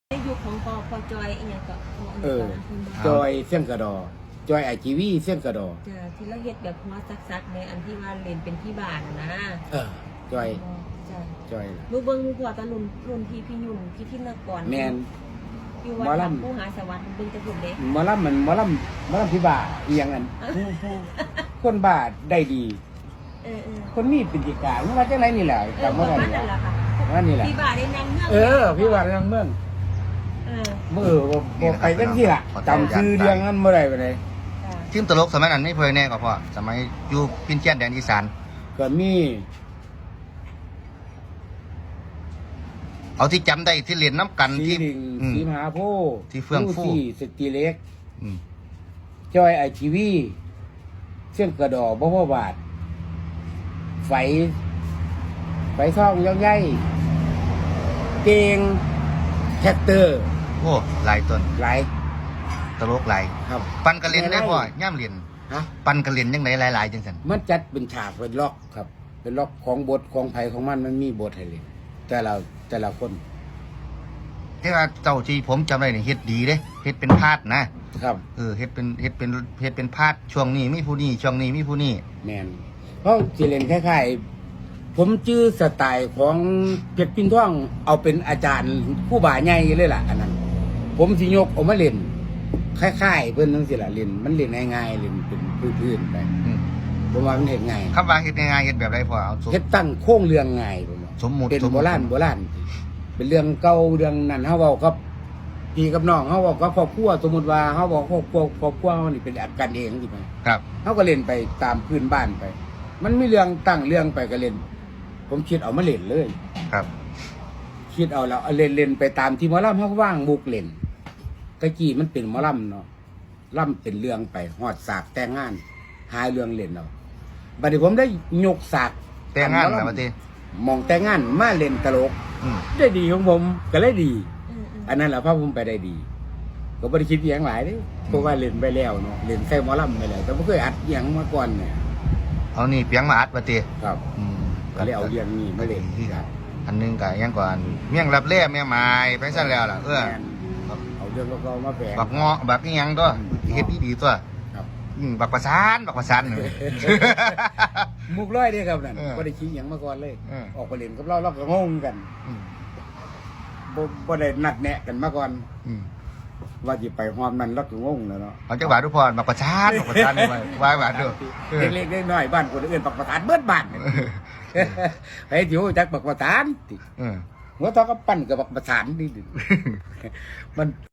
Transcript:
ในยุคของพอจอยอีกอย่างก็จอยเสี่ยงกระดอจอยไอจีวีเสี่ยงกระดอจ้ะที่เราเฮ็ดแบบหัวซักๆในอันที่ว่าเล่นเป็นที่บ้านนะจอยจ้ะจอยรู้เบิ่งหัวตะรุ่นพี่ยุ่นพี่ทินกรแมนอยู่วัดผู้หาสวัสดิ์เบิ่งจะพุ่นเด้หมอลำมันหมอลำพี่บ่าเอียงอันคนบ้าได้ดีคนมีปิติการว่าจังไรนี่แหละจำว่าได้นี่แหละว่านี่แหละพี่บ่าได้นางเมืองพี่บ่าได้นางเมืองบ่ไปกันที่ละจำชื่อเรียงนั้นเมื่อไรไปเลยทีมตลกสมัยนั้นไม่เพลงแน่ก็พอสมัยอยู่พินเจียนแดนอีสานก็มีเอาที่จำได้ที่เรียนน้ำกันที่สีมหาโพที่เฟื่องฟูสตีเล็กจอยไอทีวีเสี่ยงกระดอบ่พ่อบาทไฟท่องย่องใหญ่เก่งแท็กเตอร์โอ้หลายต้นหลายตลกหลายครับปันกระเรียนได้พ่อย่ำเรียนปันกระเรียนยังไงหลายๆจังสันมันจัดเป็นฉากเป็นล็อกครับเป็นล็อกของบทของไผ่ของมันมีบทให้เลยแต่ละคนที่ว่าเจ้าที่ผมจำได้เนี่ยเฮ็ดดีเด้เฮ็ดเป็นพาดนะครับเฮ็ดเป็นพาดช่วงนี้มีผู้นี้ช่วงนี้มีผู้นี้แมนเพราะสิเล่นคล้ายๆผมจื้อสไตล์ของเพชรพินท่องเอาเป็นอาจารย์ผู้บ่าใหญ่เลยล่ะอันนั้นผมสิยกออกมาเล่นคล้ายๆเพิ่นจังซี่ล่ะเล่นมันเล่นง่ายๆเล่นเป็นพื้นๆไปผมว่ามันเฮ็ดง่ายคำว่าเฮ็ดง่ายเฮ็ดแบบไรพอเอาเฮ็ดตั้งโค้งเรื่องง่ายผมว่าสมมุติเป็นโบราณเป็นเรื่องเก่าเรื่องนั้นเฮาเว้ากับพี่กับน้องเฮาเว้ากับครอบครัวสมมุติว่าเฮาบอกครอบครัวเฮานี่เป็นกันเองสิครับเฮาก็เล่นไปตามพื้นบ้านไปมันมีเรื่องตั้งเรื่องไปก็เล่นผมคิดเอามาเล่นเลยครับคิดเอาแล้วเล่นไปตามที่หมอลำเฮาว่างมุกเล่นตะกี้มันเป็นหมอลำเนาะลำเป็นเรื่องไปฮอดสากแต่งงานหาเรื่องเล่นเอาบัดนี้ผมได้ยกสากแต่งงานแล้วบัดนี้มองแต่งงานมาเล่นตลกได้ดีของผมก็เลยดีอันนั้นแหละพาผมไปได้ดีก็บ่ได้คิดอย่างหลายเด้เพราะว่าเล่นไปแล้วเนาะเล่นใส่หมอลำไปแล้วแต่บ่เคยอัดอย่างมาก่อนเนี่ยเอานี่เปียงมาอัดบัดนี้ครับก็เลยเอาเรื่องนี้มาเล่นครับอันนึงก็ยังก่อนเมี่ยงรับแร่แม่ไม้ไปซะแล้วล่ะเอาเรื่องก็มาแฝงบักเงาะบักอีหยังตัวเฮ็ดดีๆตัวบักประสานเลยมุกร้อยเด้ครับนั่นบ่ได้คิดหยังมาก่อนเลยออกไปเล่นกับเราก็งงกันบ่ได้นัดแนะกันมาก่อนว่าสิไปฮอมนั้นเราก็งงแล้วเนาะเอาจังหวัดทุกพรบักประสานว่าบาดเด้อเล็กๆน้อยๆบ้านคนอื่นบักประสานเบิดบ้านไปสิฮู้จักบักประสานติหัวทอก็ปั้นกับบักประสานนี่มัน